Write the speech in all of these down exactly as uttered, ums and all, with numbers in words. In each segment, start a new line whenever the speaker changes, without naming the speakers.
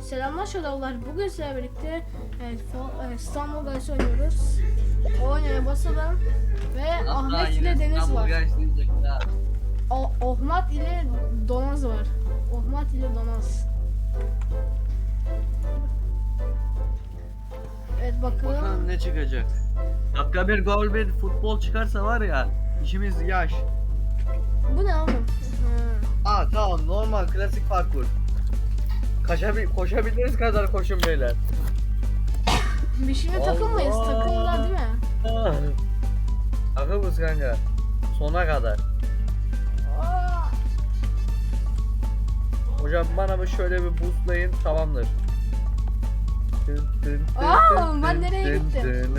Selamlar şadavlar. Bugün sizlerle birlikte evet, e, İstanbul Guys oynuyoruz. Oynaya basalım ve Ahmet ile Deniz var. O Ohmat ile Donaz var. Ohmat ile Donaz. Evet bakalım.
Bakalım ne çıkacak. Dakika bir gol bir futbol çıkarsa var ya işimiz yaş.
Bu ne oğlum? Ha.
Aa tamam, normal klasik parkur. Kaşabil koşabildiğiniz kadar koşun beyler.
Bir şimdi takılmayız.
Allah.
Takımlar değil mi?
Takımız kanka. Sona kadar.
Aa.
Hocam bana bir şöyle bir boostlayın, tamamdır.
Aa, ben nereye gittim?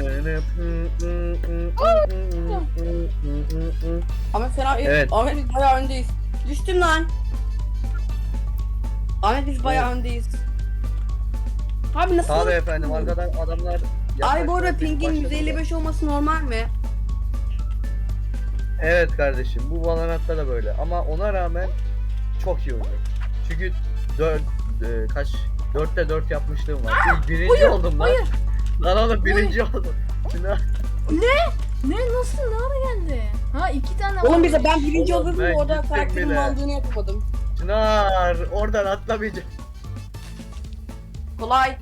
Ahmet fena
Evet.
Ahmet biz bayağı öndeyiz. Düştüm lan. Ahmet biz bayağı öndeyiz. Abi nasıl?
Tabii efendim, arkadan adamlar.
Ay bu arada
yaklaşmaya
pingin yüz
başladılar.
elli beş olması normal mi?
Evet kardeşim, bu Valorant'ta da böyle ama ona rağmen çok iyi oynuyor. Çünkü dört e, kaç dörtte dört yapmışlığım var. İlk birinci
Hayır,
oldum lan.
hayır.
Lan oğlum birinci oldum. Çınar.
Ne? Nasıl? Ne ara geldi? Ha iki tane
Oğlum
var.
bize ben birinci
Oğlum,
olurdum
ben
orada
gittim
karakterimin
bile.
aldığını yapamadım.
Çınar oradan atlamayacak.
Kolay.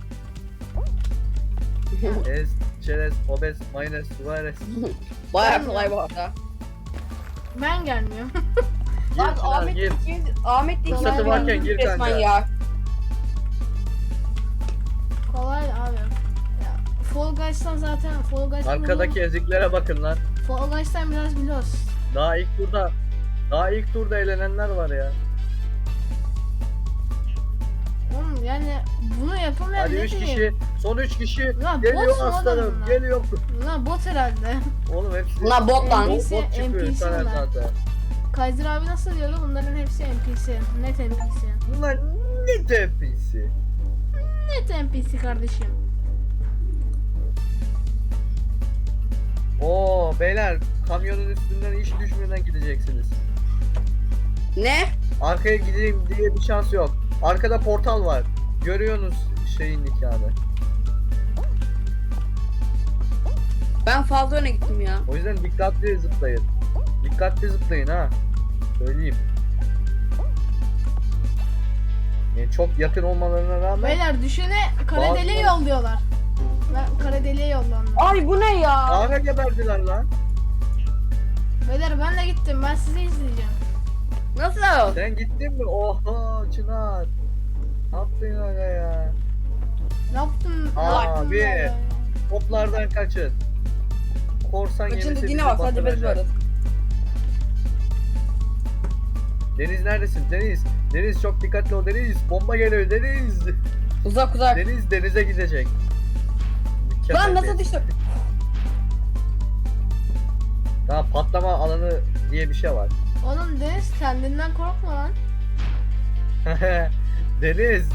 Es, çerez, obez, mayonez, suarez.
Bayağı
Ben-
kolay bu arada.
Ben gelmiyorum.
Gir
Abi
Çınar
Ahmet
gir.
ikimiz Ahmet de
Fırsatı
ikimiz
varken
birinci
gir
resmen
kanka.
ya.
Kolay abi. Ya, Fall Guys'tan zaten Fall Guys'tan
Arkadaki eziklere bakın lan.
Fall Guys'tan biraz biliyoruz.
Daha ilk turda daha ilk turda eğlenenler var ya.
Oğlum yani bunu yapamayan
Hadi
ne
üç
diyeyim?
kişi, son üç kişi
Lan
geliyor
bot mu
aslanım,
oğlum lan?
geliyor.
Lan bot herhalde.
Oğlum hepsi
Bunlar bot lan.
bot,
N P C,
bot çıkıyor
N P C
internet
bunlar.
zaten.
Kaiser abi nasıl diyordu? Bunların hepsi N P C. Net N P C.
Bunlar ne tepkisi?
Net N P C kardeşim.
Oo beyler, kamyonun üstünden hiç düşmeden gideceksiniz.
Ne?
Arkaya gideyim diye bir şans yok. Arkada portal var. Görüyorsunuz şeyin nikahını.
Ben fazla öne gittim ya.
O yüzden dikkatli zıplayın. Dikkatli zıplayın ha. Söyleyeyim. Yani çok yakın olmalarına rağmen
Beyler düşene kara
Bazı-
deliğe yolluyorlar. Ben kara deliğe yollandım.
Ay bu ne ya?
ağra geberdiler lan.
Beyler ben de gittim. Ben sizi izleyeceğim.
Nasıl?
Sen gittin mi? Oha Çınar. Ne yaptın aga ya?
Ne yaptım? Ne
Abi.
yaptım ya?
Toplardan kaçın. Korsan
Kaçın
gemisi
dediğine
bizi
bak sadece biz
batıracak.
varız.
Deniz neredesin? Deniz. Deniz çok dikkatli ol Deniz. Bomba geliyor Deniz.
Uzak uzak.
Deniz denize gidecek.
Lan
Mükemmel
nasıl
bir-
düştüm?
Daha patlama alanı diye bir şey var.
Oğlum Deniz kendinden korkma lan.
Deniz.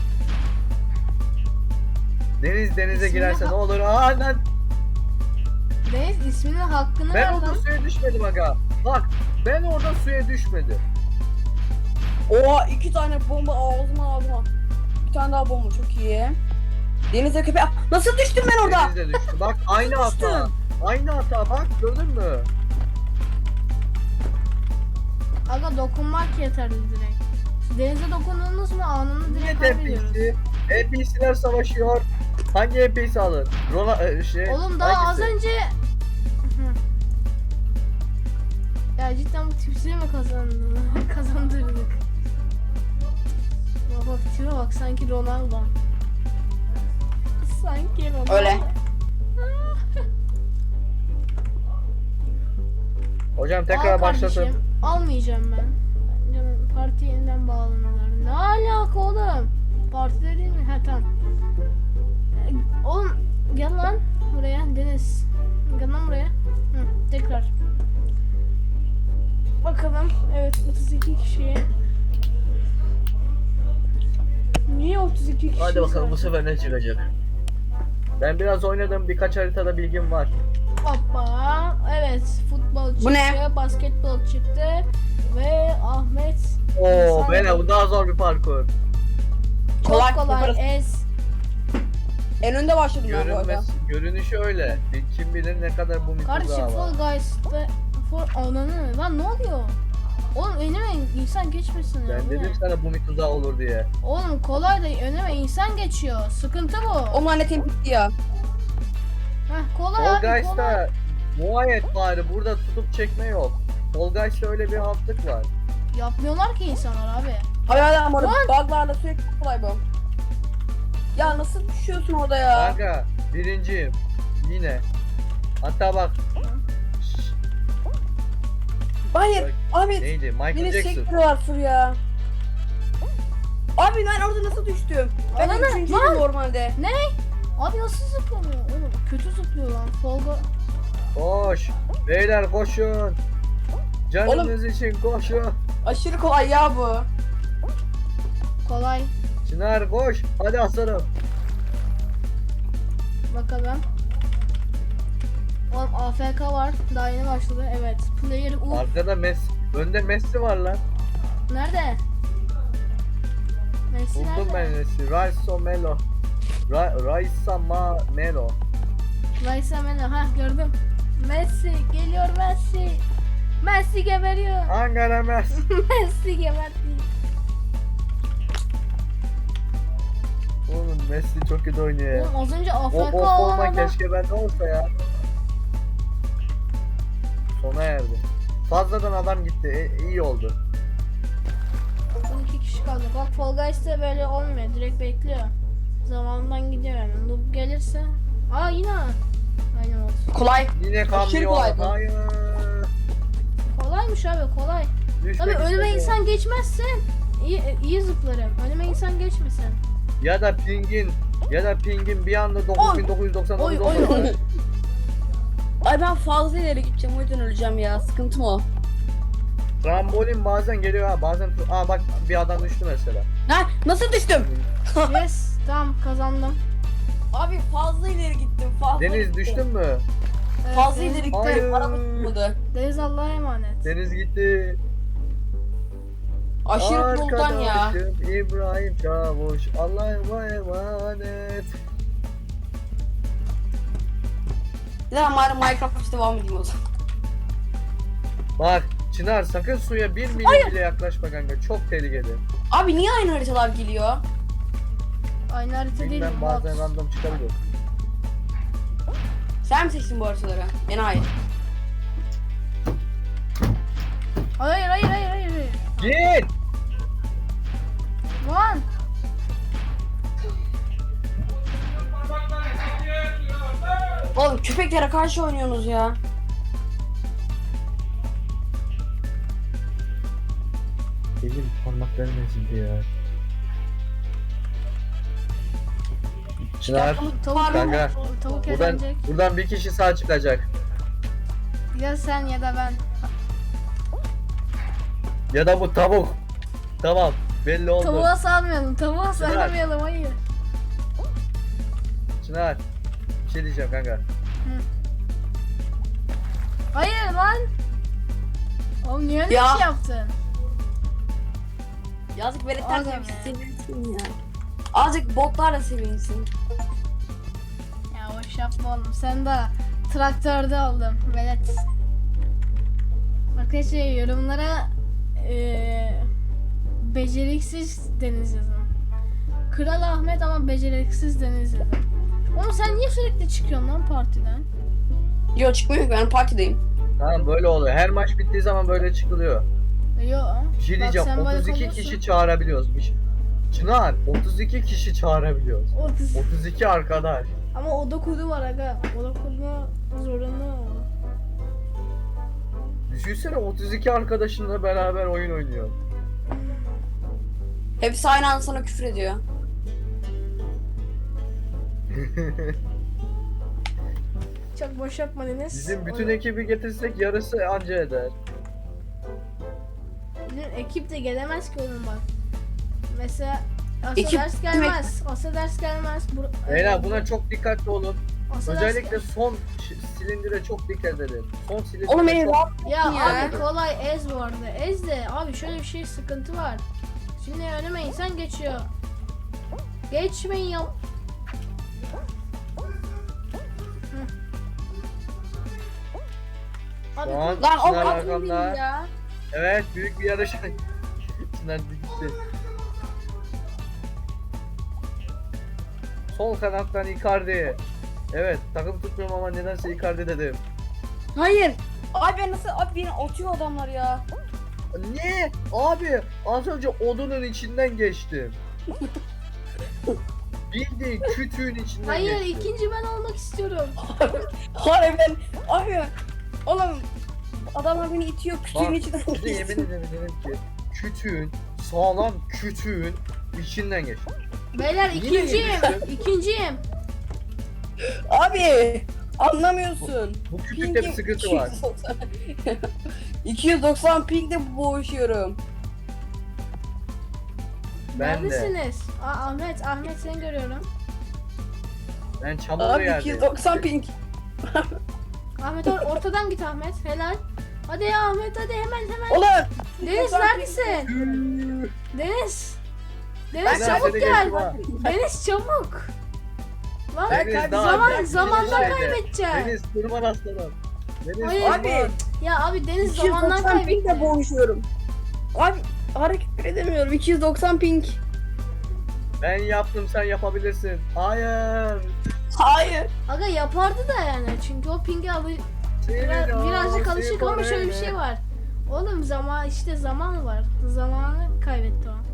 Deniz denize
İsmini
girerse
ha-
ne olur? Aa lan.
Deniz isminin hakkını
Ben
ver
orada
lan.
suya düşmedim aga. Bak ben orada suya düşmedim.
Oha iki tane bomba ağzıma ağzıma. Bir tane daha bomba çok iyi. Denize köpeği. Nasıl düştüm ben orada?
Deniz de düştü. Bak aynı hata.
düştüm?
Aynı hata bak, gördün mü?
Aga dokunmak yeterli direkt. Denize dokundunuz mu anını
Niye
direkt kaybediyoruz.
N P C? N P C'ler savaşıyor. Hangi N P C alır? Rola e, şey.
Oğlum daha
hangisi?
az önce... Hı. Ya cidden bu tipsini mi kazandın? Kazandırdık. Bak bak tipe bak sanki Ronaldo. Sanki Ronaldo.
Öyle.
Hocam
Al
tekrar
kardeşim,
başlatın.
almayacağım ben. Canım parti yeniden bağlanıyorlar. Ne alaka oğlum? Partide değil mi? Ha tamam. Ee, Oğlum gel lan buraya Deniz. Gel lan buraya. Hı, tekrar. Bakalım. Evet otuz iki kişiye. Niye otuz iki kişi?
Hadi bakalım bu
zaten?
sefer ne çıkacak. Ben biraz oynadım, birkaç haritada bilgim var.
Hoppa. Evet futbol çıktı.
Bu ne?
Basketbol çıktı. Ve Ahmet.
Oo
İnsan-
beyler bu daha zor bir parkur.
Çok
Kolay,
kolay.
yaparız.
Ez.
En önde başladım ben bu arada.
Görünmez, görünüşü öyle. Kim bilir ne kadar bu
Kardeşim
mitoza var.
Fall Guys'ta for ananı lan ne oluyor? Oğlum önüme insan geçmesin ya.
Ben
bu
dedim
ne?
sana bu mitoza olur diye.
Oğlum kolay da önüme insan geçiyor. Sıkıntı bu.
O lanetim bitti ya.
Heh, kolay
Fall
abi kolay.
Guys'ta muayet bari burada tutup çekme yok. Fall Guys'ta öyle bir altlık var.
Yapmıyorlar ki insanlar abi.
Hayır hayır ama
Lan!
buglarla sürekli kolay bu. Ya nasıl düşüyorsun orada ya?
Kanka birinciyim. Yine. Hatta bak. Şşş,
Hayır abi
neydi? Michael
beni
Jackson.
sektiriyorlar fır ya. Abi ben orada nasıl düştüm? Ben
Ana,
üçüncüydüm
lan!
normalde.
Ne? Abi nasıl zıplamıyor? Oğlum kötü zıplıyor lan. Fall Guys.
Koş. Beyler koşun. Canınız için koşun.
Aşırı kolay ya bu.
Kolay.
Çınar koş. Hadi aslanım.
Bakalım. Oğlum A F K var. Daha yeni başladı. Evet. Player U.
Arkada Messi. Önde Messi var lan.
Nerede? Messi
Buldum ben
nerede?
Messi. Raiso Melo. Ra Raisa Ma Melo.
Raisa Melo. Hah gördüm. Messi. Geliyor Messi. Messi geberiyor.
Ankara Messi.
Messi geberdi.
Oğlum Messi çok kötü oynuyor ya.
Oğlum az önce A F
O,
K
o
olan
forma
adam.
keşke bende olsa ya. Sona erdi. Fazladan adam gitti. E, iyi oldu.
Son iki kişi kaldı. Bak Fall Guys'ta böyle olmuyor. Direkt bekliyor. Zamanından gidiyor yani. Noob gelirse. Aa yine. Aynen oldu.
Kolay.
Yine
Aşırı
kamyon.
kolay bu.
Hayır.
Kolaymış abi kolay.
Düşmek
Tabii önüme
istedi.
insan geçmezse iyi, iyi zıplarım. Önüme insan geçmesin.
Ya da pingin ya da pingin bir anda dokuz bin dokuz yüz doksan dokuz
Oy, oy,
oldu.
oy.
Ay ben fazla ileri gideceğim o yüzden öleceğim ya. Sıkıntım o.
Trambolin bazen geliyor ha bazen aa bak bir adam düştü mesela.
Ha nasıl düştüm?
Yes tamam kazandım.
Abi fazla ileri gittim. Fazla
Deniz
gittim.
düştün mü?
Evet,
Fazla
Deniz-
ileri
Hayır.
gittim. Araba tutmadı.
Deniz Allah'a emanet.
Deniz gitti.
Aşırı buldan ya.
Arkadaşım İbrahim Çavuş Allah'a emanet.
Ya bari Minecraft devam edeyim o zaman.
Bak Çınar sakın suya bir milim bile yaklaşma kanka çok tehlikeli.
Abi niye aynı haritalar geliyor?
Aynı harita değil.
Bilmem
bot.
bazen random çıkabilir.
Sen mi seçtin bu haritaları? Enayi.
Hayır hayır hayır hayır. hayır.
Git!
Lan.
Oğlum köpeklere karşı oynuyorsunuz ya.
Elim parmaklarım ezildi ya. Çınar
Tavuk
Kanka,
Tavuk
buradan,
eğlenecek.
buradan bir kişi sağ çıkacak.
Ya sen ya da ben.
Ya da bu tavuk. Tamam belli oldu.
Tavuğa salmayalım. Tavuğa salmayalım hayır.
Çınar bir şey diyeceğim kanka.
Hayır lan. Oğlum niye öyle
Ya.
bir şey yaptın?
Yazık veletler
Aga
de
be.
sevinsin ya. Azıcık botlar da sevinsin.
Ya boş yapma oğlum. Sen de traktörde oldun. Velet. Arkadaşlar yorumlara eee beceriksiz Deniz yazın. Kral Ahmet ama beceriksiz Deniz yazın. Oğlum sen niye sürekli çıkıyorsun lan partiden?
Yo çıkmıyor ki ben partideyim.
Tamam böyle oluyor. Her maç bittiği zaman böyle çıkılıyor.
Yo.
Bir şey
Bak
diyeceğim.
sen böyle
otuz iki
kalıyorsun.
kişi çağırabiliyoruz. Bir şey. Çınar otuz iki kişi çağırabiliyoruz.
otuz.
otuz iki arkadaş.
Ama oda kodu var aga. Oda kodunu zorunlu.
Düşünsene otuz iki arkadaşınla beraber oyun oynuyor.
Hepsi aynı anda sana küfür ediyor.
Çok boş yapma Deniz.
Bizim bütün
Oğlum,
ekibi getirsek yarısı anca eder.
Bizim ekip de gelemez ki oğlum bak. Mesela Asa
Ekip
ders gelmez. Asa ders gelmez. Bur-
Beyler buna çok dikkatli olun.
Asa ders
Özellikle
gel-
son şi- silindire çok dikkat edin. Son silindire
Oğlum beni
çok...
rahat
Ya,
Ya.
abi kolay ez bu arada. Ez de abi şöyle bir şey sıkıntı var. Şimdi önüme insan geçiyor. Geçmeyin ya. Hı. Abi
Şu an
Lan o
Çınar
atın beni
arkamda.
ya.
Evet, büyük bir yarış. Çınar gitti. Sol kanattan Icardi. Evet, takım tutmuyorum ama nedense Icardi dedim.
Hayır. Abi ben nasıl abi beni atıyor adamlar ya.
Ne? Abi az önce odunun içinden geçtim. Bildiğin kütüğün içinden
hayır,
geçtim.
ikinci ben olmak istiyorum.
Hayır ben abi oğlum adamlar beni itiyor kütüğün
Bak,
içinden
bir de yemin
geçtim.
ederim dedim ki kütüğün, sağlam kütüğün içinden geçtim.
Beyler
Yine
ikinciyim.
yemiştim.
İkinciyim.
Abi anlamıyorsun.
Bu kütükte bir sıkıntı var.
iki yüz doksan pingde boğuşuyorum.
Ben de.
Neredesiniz? Aa, Ahmet, Ahmet seni görüyorum.
Ben çamurlu
Abi
yerdeyim.
iki yüz doksan ping.
Ahmet or- ortadan git Ahmet. Helal. Hadi ya Ahmet, hadi hemen hemen.
Ulan.
Deniz neredesin? Deniz. Deniz
Ben
çabuk
seni
gel.
geçtim ha.
Deniz çabuk. Lan
Deniz, daha-
zaman
Deniz
zamandan
şeyde.
kaybedeceksin.
Deniz tırman aslanım. Deniz
Hayır.
tırman.
Abi
Ya abi Deniz
iki yüz
zamandan
doksan pingde
kaybetti.
boğuşuyorum. Abi hareket edemiyorum. iki yüz doksan ping.
Ben yaptım, sen yapabilirsin. Hayır.
Hayır.
Aga yapardı da yani çünkü o pinge alı biraz,
Senin
birazcık
o
alışık ama şöyle bir
sporene.
şey var. Oğlum zaman işte zaman var. Zamanı kaybetti o.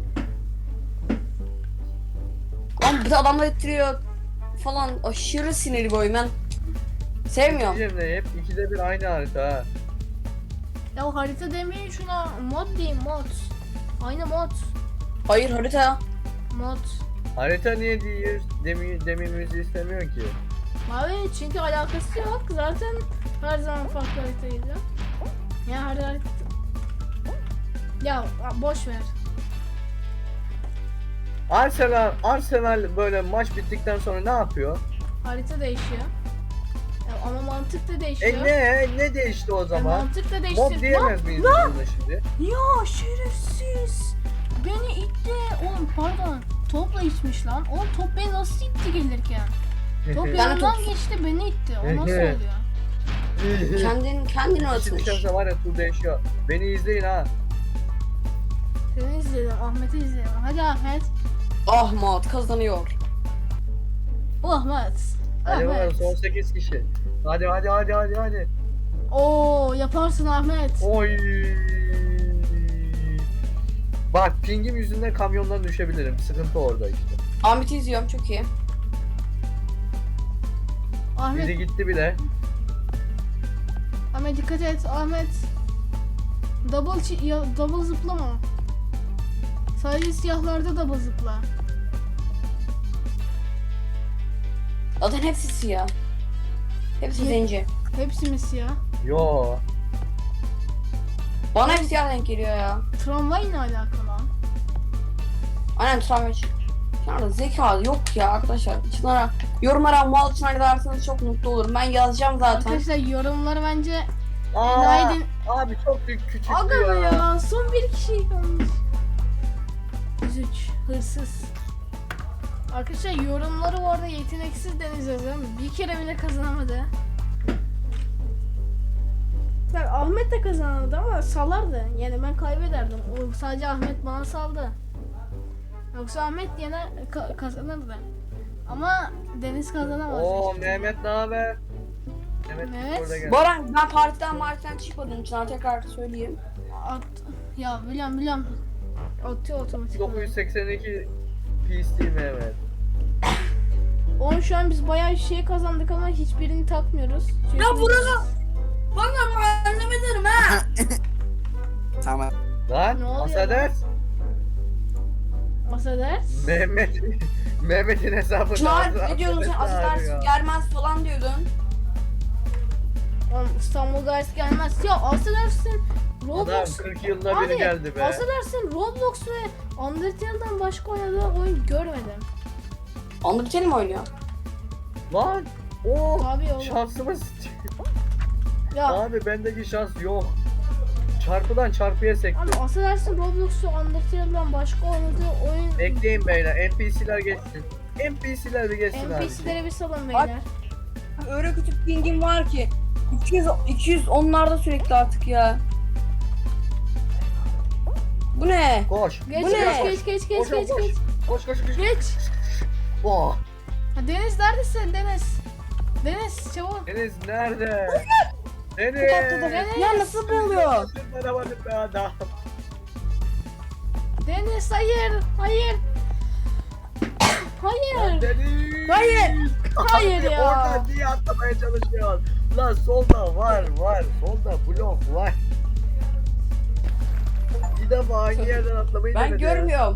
Lan bir de adamlar ettiriyor falan aşırı sinirli bir oyun ben sevmiyorum.
Diyeceğim de hep ikide bir aynı harita ha.
Ya harita demeyin şuna mod diyeyim mod. Aynı mod.
Hayır harita.
Mod.
Harita niye diyoruz demi, dememizi istemiyor ki?
Abi çünkü alakası yok. Zaten her zaman farklı haritaydı. Ya her harita... Ya boş ver.
Arsenal, Arsenal böyle maç bittikten sonra ne yapıyor?
Harita değişiyor. Ya ama mantık da değişiyor.
E ne? Ne değişti o
Ya
zaman?
mantık da
Mob
değişti.
diyemez
Lan,
miyiz
lan!
buna şimdi?
Ya şerefsiz. Beni itti. Oğlum pardon. Topla itmiş lan. Oğlum top beni nasıl itti gelirken? Top
Yani
yanından
top-
geçti beni itti. O nasıl oluyor?
Kendin kendini
Şimdi
atmış.
şansa var ya tur değişiyor. Beni izleyin ha.
Seni izledim. Ahmet'i izledim. Hadi Ahmet.
Ahmet kazanıyor.
Bu Ahmet.
Hadi bakalım
Ahmet.
son sekiz kişi. Hadi hadi hadi hadi hadi.
Oo yaparsın Ahmet.
Oy. Bak pingim yüzünden kamyondan düşebilirim. Sıkıntı orada işte.
Ahmet'i izliyorum çok iyi.
Ahmet.
Biri gitti bile.
Ahmet dikkat et. Ahmet. Double çi- ya, double zıplama. Sadece siyahlarda double zıpla.
Zaten hepsi siyah. Hepsi
Ye-
zenci.
Hepsi mi siyah?
Yo.
Bana hep siyah denk geliyor ya.
Tramvay ne alaka lan?
Aynen travma. Çınar'da zeka yok ya arkadaşlar. Çınar'a yorumlara mal Çınar derseniz çok mutlu olurum. Ben yazacağım zaten.
Arkadaşlar yorumları bence
Aa,
Günaydın.
abi çok büyük küçüktü
Aga be
ya.
ya son bir kişi kalmış. yüz üç hırsız. Arkadaşlar yorumları bu arada yeteneksiz Deniz yazın. Bir kere bile kazanamadı. Bak Ahmet de kazanamadı ama salardı. Yani ben kaybederdim. O sadece Ahmet bana saldı. Yoksa Ahmet yine ka- kazanırdı. Ama Deniz kazanamaz.
Oo
hiçbir
Mehmet ne haber? Mehmet,
Mehmet.
burada gel.
Baran ben partiden martiden çıkmadım Çınar tekrar söyleyeyim.
At, ya biliyorum biliyorum. Atıyor otomatik.
dokuz yüz seksen iki P C Mehmet.
Onun şu an biz bayağı şey kazandık ama hiçbirini takmıyoruz. Çünkü-
Ya burada bana mahalleme derim ha. Tamam.
Lan
Ne oluyor
Asader.
Masa ders.
Mehmet Mehmet'in hesabını
Çınar
aldı,
ne diyordun sen
Asader
asıl
ya.
ders gelmez falan diyordun.
Oğlum İstanbul Guys gelmez. Ya affedersin.
Adam
Roblox.
kırk yılda biri
Abi,
geldi be.
affedersin Roblox ve Undertale'dan başka oynadığı oyun görmedim.
Undertale mi oynuyor?
Lan. Oo.
Abi oğlum.
Şansımız.
Ya
Abi bendeki şans yok. çarpıdan çarpıya sekti.
Abi affedersin Roblox'u Undertale'dan başka oynadığı oyun
Bekleyin beyler, N P C'ler geçsin. N P C'ler bir geçsin abi.
N P C'lere bir salın beyler.
Öyle kötü pingim var ki. iki yüz iki yüz onlarda sürekli artık ya. Bu ne?
Koş.
Geç
Bu
geç,
ne?
geç geç geç
Koş,
geç
koş.
geç.
Koş koş koş.
Geç.
Oh.
Ha, Deniz neredesin Deniz? Deniz çabuk.
Deniz nerede? Deniz.
Deniz.
Ya nasıl bu oluyor?
Merhaba be adam.
Deniz hayır. Hayır. Hayır.
Deniz.
Hayır.
Hayır
Abi,
ya.
Oradan niye atlamaya çalışıyorsun? Lan solda var var. Solda blok var. Bir defa hangi yerden atlamayı
Ben
denedi?
görmüyorum.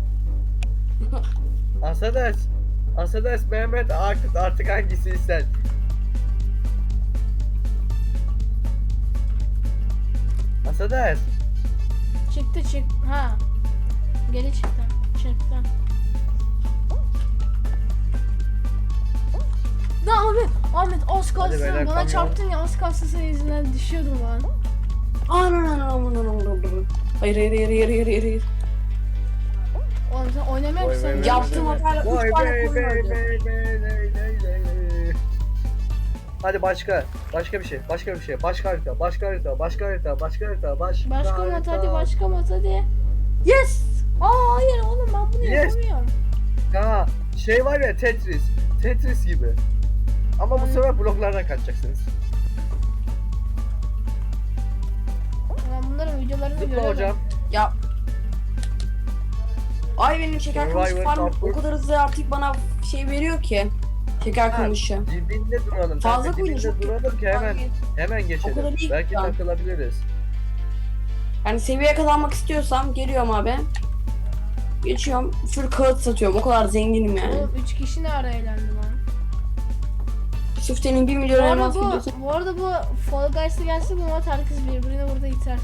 Asades. Asades Mehmet artık artık hangisi sen? Asades.
Çıktı çık. Ha. Geri çıktı. Çıktı. Da Ahmet, Ahmet az kalsın
beyler,
bana
kamyon.
çarptın ya az kalsın senin yüzünden düşüyordum lan.
Hayır hayır hayır hayır hayır hayır.
Oğlum sen oynamıyor
Vay
musun?
vay vay
Yaptığım
vay.
hatayla
Vay
üç tane
bey,
koyun
bey,
öldü.
bey, bey, ley, ley, ley, ley. Hadi başka, başka bir şey, başka bir şey, başka harita, başka harita, başka harita, başka harita, başka
Başka mod
harita.
hadi başka mod hadi. Yes! Aa hayır oğlum ben bunu
Yes.
yapamıyorum.
Ha, şey var ya Tetris, Tetris gibi. Ama bu sefer bloklardan kaçacaksınız.
Ben bunların videolarını
Zıpla
görüyorum.
hocam.
Ya. Ay benim şeker kamışı
Survivor
farm
parkur.
o kadar hızlı artık bana şey veriyor ki. Şeker
Ha,
kamışı.
Dibinde duralım.
Fazla
Fazla
koyun, çok
dibinde duralım ki hemen hemen
O
geçelim.
kadar değil
Belki
şu an.
takılabiliriz.
Yani seviye kazanmak istiyorsam geliyorum abi. Geçiyorum. Full kağıt satıyorum. O kadar zenginim yani.
Oğlum üç kişi ne ara eğlendi lan?
Sırf senin bir
Bu
milyon
arada
elmas
bu,
videosu.
bu arada bu Fall Guys'a gelse bu maç herkes birbirini burada iter.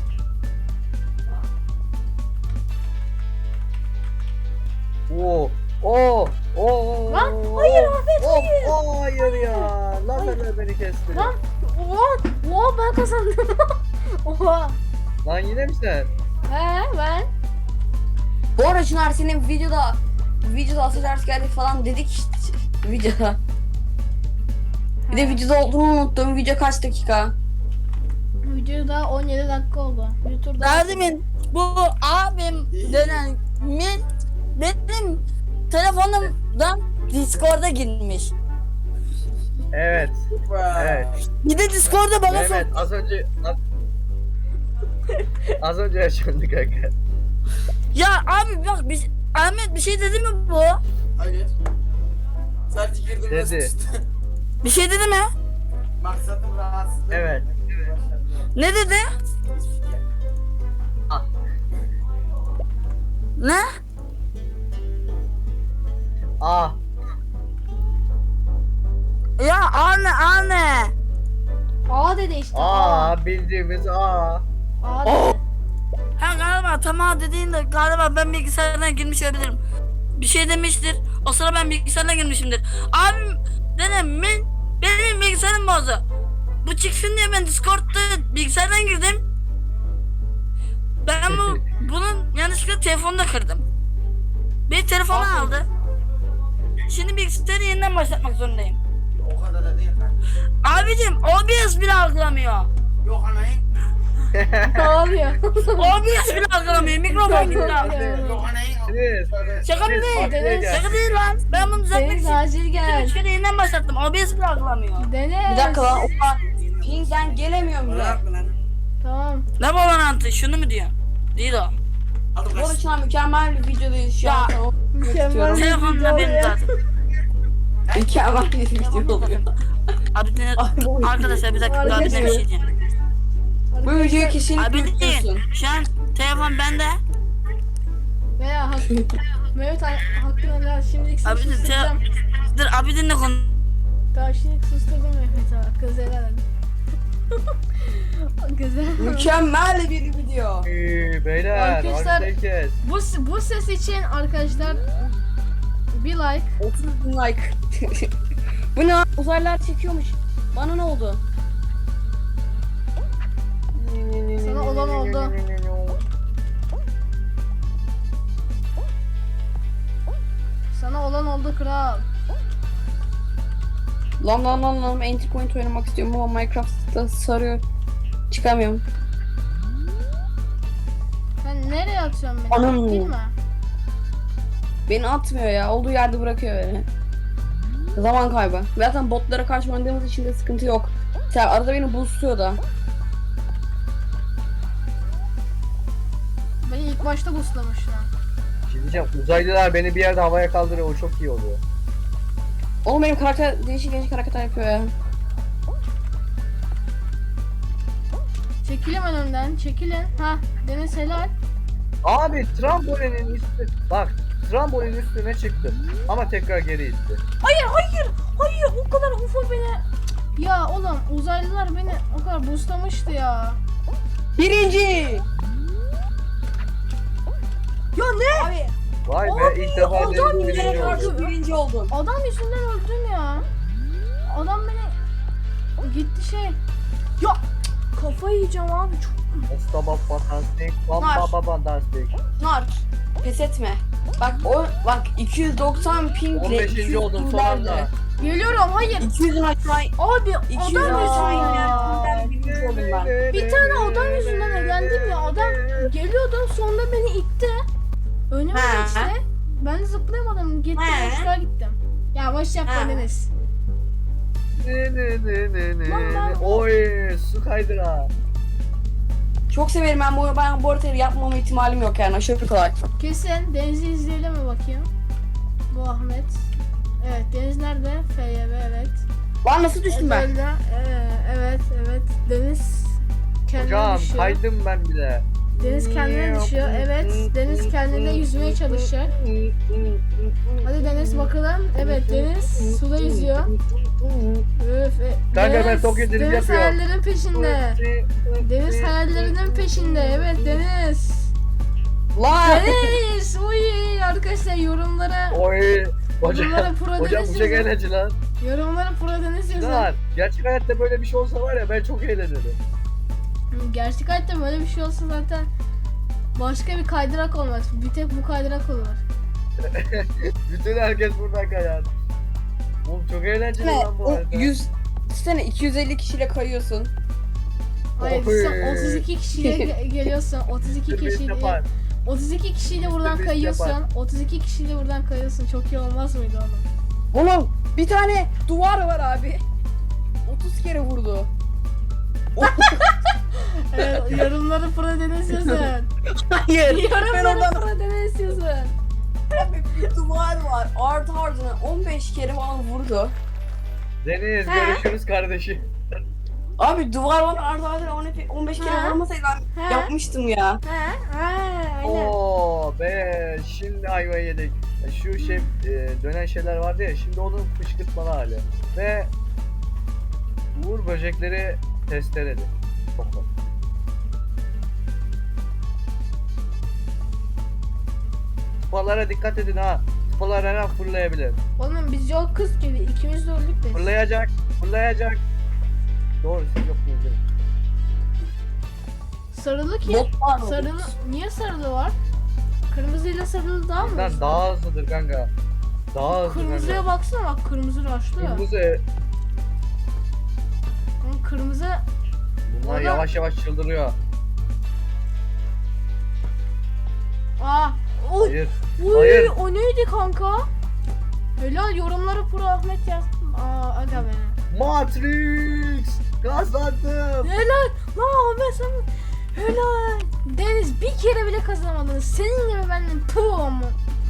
Oo, oo, oo.
Lan, hayır Ahmet,
Of,
hayır.
oo, hayır ya. Lazerler beni kesti.
Lan oha, oha ben kazandım. Oha.
Lan yine mi sen?
He ben.
Bu arada Çınar senin videoda videoda asıl geldik falan dedik işte, videoda. Bir de
He.
videoda olduğunu unuttum. Video kaç dakika?
Videoda on yedi dakika oldu. Bir tur daha.
Daha demin bu abim denen min benim telefonumdan Discord'a girmiş.
Evet. Evet.
Bir de Discord'a bana sor.
Mehmet az önce az, az önce yaşandı kanka.
Ya abi bak bir, Ahmet bir şey dedi mi bu?
Hayır. Sadece girdim ve
Dedi.
sıçtı.
Bir şey dedi mi?
Maksadım rahatsızlık.
Evet.
Ne dedi?
Ah.
Ne?
Ah.
Ya anne anne.
A dedi işte. A.
Aa bildiğimiz A.
A dedi.
Ha galiba tamam dediğinde galiba ben bilgisayardan girmiş olabilirim. Bir şey demiştir. O sıra ben bilgisayardan girmişimdir. Abim dedim ben benim bilgisayarım bozdu. Bu çıksın diye ben Discord'da bilgisayardan girdim. Ben bu bunun yanlışlıkla telefonunu da kırdım. Bir telefonu
Aferin.
aldı. Şimdi bilgisayarı yeniden başlatmak zorundayım.
O kadar da değil kanka.
Abicim O B S bile algılamıyor.
Yok anayın.
Ne oluyor?
O B S bile algılamıyor. Mikrofon gitti abi.
Yok anayın.
Deniz.
Şaka mı değil?
Buraya gel.
Şaka değil lan. Ben bunu düzeltmek
Deniz
için
acil gel.
Şöyle yeniden başlattım. O B S bile algılamıyor.
Deniz.
Bir dakika lan. Oha. Ping'den gelemiyorum bile.
Bırak lan.
Tamam.
Ne babanantı? Şunu mu diyor? Değil o.
Aldım
Bu arada
kaç.
Çınar mükemmel bir videodayız şu an. Sana
Mükemmel.
Telefonla benim zaten.
Mükemmel bir video oluyor.
Abi ne?
Ay, bu-
Arkadaşlar bir dakika abi ne bir şey diyeceğim.
Bu videoyu kesinlikle
Abi
izliyorsun.
değil. Şu an telefon bende.
Veya hak. Mehmet ha- hakkını helal. Şimdilik
Abi de te...
susturacağım.
Dur abi dinle konu.
Tamam şimdilik susturdum Mehmet ha. Kız helal. Güzel.
Mükemmel bir video.
Ee, Beyler
Arkadaşlar-
harita kes.
Bu, bu ses için arkadaşlar bir like.
otuz bin like. Bu ne? Uzaylılar çekiyormuş. Bana ne oldu?
Sana olan oldu. Sana olan oldu kral.
Lan lan lan lan entry point oynamak istiyorum ama Minecraft'ta sarıyor. Çıkamıyorum.
Sen nereye atıyorsun beni?
Anam.
Değil mi?
Beni atmıyor ya. Olduğu yerde bırakıyor beni. Zaman kaybı. Zaten botlara karşı oynadığımız için de sıkıntı yok. Sen arada beni boostluyor da.
Beni ilk başta boostlamışlar.
Bir şey diyeceğim, uzaylılar beni bir yerde havaya kaldırıyor, o çok iyi oluyor.
Oğlum benim karakter değişik değişik hareketler yapıyor ya.
Çekilin önümden, çekilin. Ha, Deniz helal.
Abi trambolinin üstü, bak trambolinin üstüne çıktım ama tekrar geri itti.
Hayır, hayır, hayır. O kadar U F O beni... Ya oğlum uzaylılar beni o kadar boostlamıştı ya.
Birinci!
Ya ne?
Abi,
Vay
abi
be, ilk defa
adam
Deniz
yüzüne
birinci
karşı
oldu.
birinci oldum.
Adam yüzünden öldüm ya. Adam beni gitti şey. Ya kafayı yiyeceğim abi çok.
Mustafa fantastik,
Var.
bamba fantastik.
Nar, pes etme. Bak o bak iki yüz doksan pingle
on beşinci oldum son anda.
Geliyorum hayır.
iki yüzün aşağı
Abi
iki yüzün
adam
aşağı
yüzünden.
inerken birinci oldum ben.
Bir tane adam yüzünden eğlendim ya. Adam geliyordu sonra beni itti. Önüme
Ha.
geçti. Ben de zıplayamadım. Gittim
Ha.
boşluğa gittim. Ya boş yapma
Ha.
Deniz.
Ne ne ne ne ne.
Lan ben-
Oy, su kaydıra.
Çok severim ben bu ben bu haritayı yapmama ihtimalim yok yani aşırı kolay.
Kesin Deniz'i izleyelim mi bakayım? Bu Ahmet. Evet Deniz nerede? F Y B evet.
Lan nasıl düştüm ben?
Özel'de, ee, evet evet Deniz kendine
Hocam
düşüyor.
kaydım ben bile.
Deniz kendine düşüyor. Evet Deniz kendine yüzmeye çalışacak. Hadi Deniz bakalım. Evet Deniz suda yüzüyor. Öf, e,
Kanka ben
Deniz-
Tokyo drift
Deniz
yapıyorum.
hayallerin peşinde. Deniz hayallerinin peşinde. Evet Deniz.
Lan!
Deniz. Uy arkadaşlar yorumlara
Oy. Hocam,
yorumlara pro
hocam
Deniz
bu çok
yazın.
eğlenceli lan.
Yorumlara pro Deniz yazın.
Lan gerçek hayatta böyle bir şey olsa var ya ben çok eğlenirim.
Gerçek hayatta böyle bir şey olsa zaten başka bir kaydırak olmaz. Bir tek bu kaydırak olur.
Bütün herkes buradan kayar. Oğlum çok eğlenceli
Ne?
lan bu
O
arada.
yüz sene iki yüz elli kişiyle kayıyorsun.
Hayır
Oy.
sen otuz iki kişiyle ge- geliyorsun. otuz iki
Sürpriz
kişiyle
yapar.
otuz iki kişiyle buradan
Sürpriz
kayıyorsun.
yapar.
otuz iki kişiyle buradan kayıyorsun. Çok iyi olmaz mıydı oğlum?
Oğlum bir tane duvar var abi. otuz kere vurdu.
Evet, yorumları pro Deniz yazın.
Hayır. Ben
Yorumları
oradan
pro Deniz yazın.
abi bir duvar var. Art ardına on beş kere bana vurdu.
Deniz
He.
görüşürüz kardeşim.
Abi duvar var art ardına on beş kere
Ha?
vurmasaydı ben
Ha?
yapmıştım ya.
Ha, ha, aynen.
Oo be şimdi ayvayı yedik. Şu şey e, dönen şeyler vardı ya şimdi onun fışkırtmalı hali. Ve Uğur böcekleri testereli. Çok var. Tıpalara dikkat edin ha. Tıpalar her an fırlayabilir.
Oğlum biz yok kız gibi ikimiz de öldük de.
Fırlayacak, fırlayacak. Doğru siz yok muydunuz?
Sarılı ki.
Bot var mı?
Sarılı. Niye sarılı var? Kırmızıyla sarılı daha mı?
Bundan
hızlı?
daha hızlıdır kanka. Daha hızlı
Kırmızıya
kanka.
baksana bak kırmızı raşlı.
Kırmızı.
Hı, Kırmızı
Bunlar
Orada-
yavaş yavaş çıldırıyor.
aa. Oy,
Hayır.
oy,
hayır.
o neydi kanka? Helal yorumları pro Ahmet yaz. Aa aga be.
Matrix! Kazandım!
Helal. Lan Ahmet sen helal. Deniz bir kere bile kazanamadın. Senin gibi benden puh mu?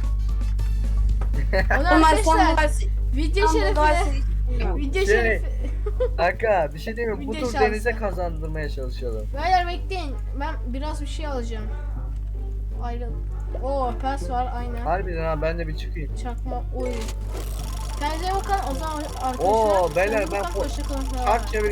Ona
Onlar sen
arkadaşlar
bu
video şerefine. Video
Şey,
şerefi.
Kanka bir şey diyeyim mi? Bu
Bir de
tur
şans.
denize kazandırmaya çalışalım.
Beyler bekleyin. Ben biraz bir şey alacağım. Ayrıl. Oo pes var aynen.
Harbiden ha ben de bir çıkayım.
Çakma oy. Kendinize bakın o zaman arkadaşlar.
Oo, beyler,
Kendinize
ben
bakın,
fo-
hoşça kalın.
Çark çevir